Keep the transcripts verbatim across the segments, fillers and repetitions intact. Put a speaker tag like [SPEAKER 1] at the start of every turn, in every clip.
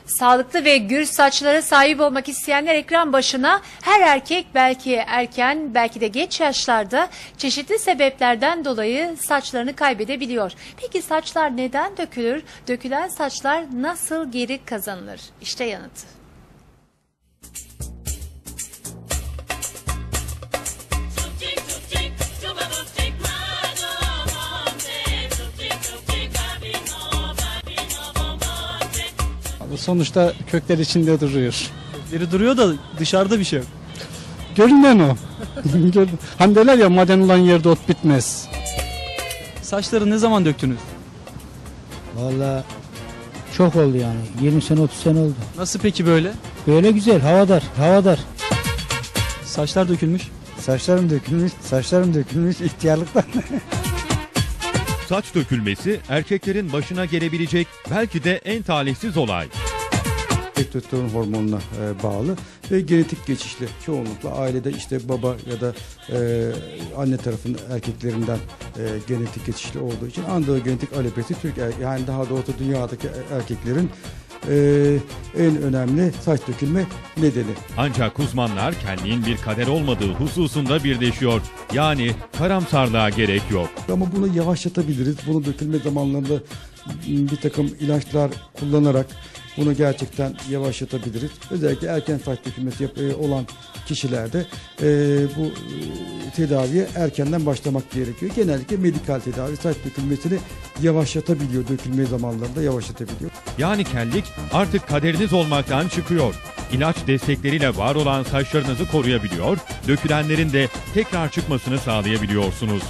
[SPEAKER 1] Sağlıklı ve gür saçlara sahip olmak isteyenler ekran başına. Her erkek belki erken, belki de geç yaşlarda çeşitli sebeplerden dolayı saçlarını kaybedebiliyor. Peki saçlar neden dökülür? Dökülen saçlar nasıl geri kazanılır? İşte yanıtı.
[SPEAKER 2] Sonuçta kökler içinde duruyor.
[SPEAKER 3] Kökleri duruyor da dışarıda bir şey yok.
[SPEAKER 2] Görünen o. Hani derler ya, maden olan yerde ot bitmez.
[SPEAKER 3] Saçları ne zaman döktünüz?
[SPEAKER 4] Vallahi çok oldu yani. yirmi sene otuz sene oldu.
[SPEAKER 3] Nasıl peki böyle?
[SPEAKER 4] Böyle güzel, havadar, havadar.
[SPEAKER 3] Saçlar dökülmüş.
[SPEAKER 4] Saçlarım dökülmüş, saçlarım dökülmüş ihtiyarlıktan.
[SPEAKER 5] Saç dökülmesi erkeklerin başına gelebilecek belki de en talihsiz olay.
[SPEAKER 6] Testosteron hormonuna e, bağlı ve genetik geçişli, çoğunlukla ailede işte baba ya da e, anne tarafının erkeklerinden e, genetik geçişli olduğu için androgenetik alopesi Türk er, yani daha doğrusu dünyadaki erkeklerin e, en önemli saç dökülme nedeni.
[SPEAKER 5] Ancak uzmanlar kelliğin bir kader olmadığı hususunda birleşiyor. Yani karamsarlığa gerek yok.
[SPEAKER 6] Ama bunu yavaşlatabiliriz. Bunu dökülme zamanlarında bir takım ilaçlar kullanarak bunu gerçekten yavaşlatabiliriz. Özellikle erken saç dökülmesi olan kişilerde e, bu e, tedaviye erkenden başlamak gerekiyor. Genellikle medikal tedavi saç dökülmesini yavaşlatabiliyor. Dökülme zamanlarında yavaşlatabiliyor.
[SPEAKER 5] Yani kellik artık kaderiniz olmaktan çıkıyor. İlaç destekleriyle var olan saçlarınızı koruyabiliyor, dökülenlerin de tekrar çıkmasını sağlayabiliyorsunuz.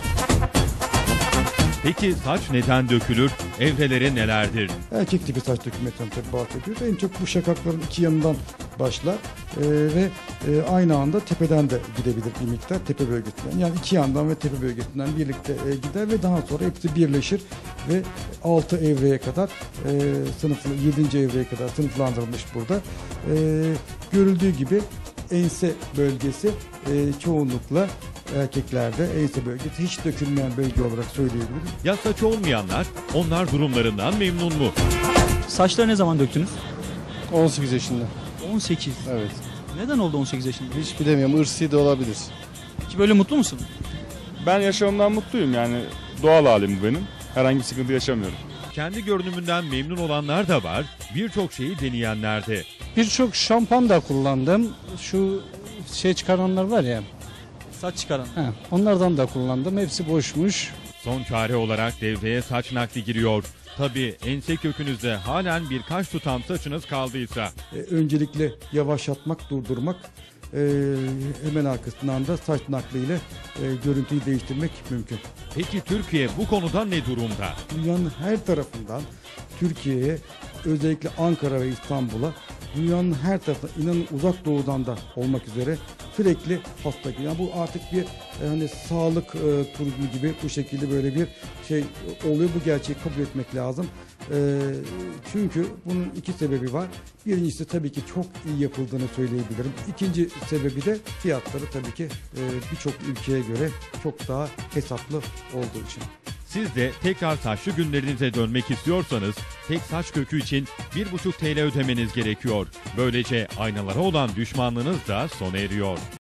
[SPEAKER 5] Peki saç neden dökülür? Evreleri nelerdir?
[SPEAKER 6] Erkek tipi saç dökülmesinden tabii bahsediyoruz. En çok bu şakakların iki yanından başlar e, ve e, aynı anda tepeden de gidebilir bir miktar tepe bölgesinden. Yani iki yandan ve tepe bölgesinden birlikte e, gider ve daha sonra hepsi birleşir ve altı evreye kadar e, sınıflı yedinci evreye kadar sınıflandırılmış burada. E, görüldüğü gibi ense bölgesi e, çoğunlukla erkeklerde ense bölgesi hiç dökülmeyen bölge olarak söyleyebiliriz.
[SPEAKER 5] Ya saç olmayanlar, onlar durumlarından memnun mu?
[SPEAKER 3] Saçları ne zaman döktünüz?
[SPEAKER 2] on sekiz yaşında.
[SPEAKER 3] on sekiz.
[SPEAKER 2] Evet.
[SPEAKER 3] Neden oldu on sekiz yaşında?
[SPEAKER 2] Hiç bilemiyorum. Irsi de olabilir.
[SPEAKER 3] Ki böyle mutlu musun?
[SPEAKER 7] Ben yaşamımdan mutluyum, yani doğal halim bu benim. Herhangi bir sıkıntı yaşamıyorum.
[SPEAKER 5] Kendi görünümünden memnun olanlar da var, birçok şeyi deneyenler de.
[SPEAKER 2] Birçok şampuan da kullandım. Şu şey çıkaranlar var ya.
[SPEAKER 3] Saç çıkaran.
[SPEAKER 2] He, onlardan da kullandım. Hepsi boşmuş.
[SPEAKER 5] Son çare olarak devreye saç nakli giriyor. Tabii ense kökünüzde halen birkaç tutam saçınız kaldıysa.
[SPEAKER 6] E, öncelikle yavaşlatmak, durdurmak, e, hemen arkasından da saç nakliyle e, görüntüyü değiştirmek mümkün.
[SPEAKER 5] Peki Türkiye bu konuda ne durumda?
[SPEAKER 6] Dünyanın her tarafından Türkiye'ye, özellikle Ankara ve İstanbul'a, dünyanın her tarafından, inanın uzak doğudan da olmak üzere sürekli hasta geliyor. Yani bu artık bir e, hani sağlık e, turizmi gibi bu şekilde böyle bir şey oluyor. Bu gerçeği kabul etmek lazım. E, çünkü bunun iki sebebi var. Birincisi tabii ki çok iyi yapıldığını söyleyebilirim. İkinci sebebi de fiyatları tabii ki e, birçok ülkeye göre çok daha hesaplı olduğu için.
[SPEAKER 5] Siz de tekrar saçlı günlerinize dönmek istiyorsanız tek saç kökü için bir buçuk TL ödemeniz gerekiyor. Böylece aynalara olan düşmanlığınız da sona eriyor.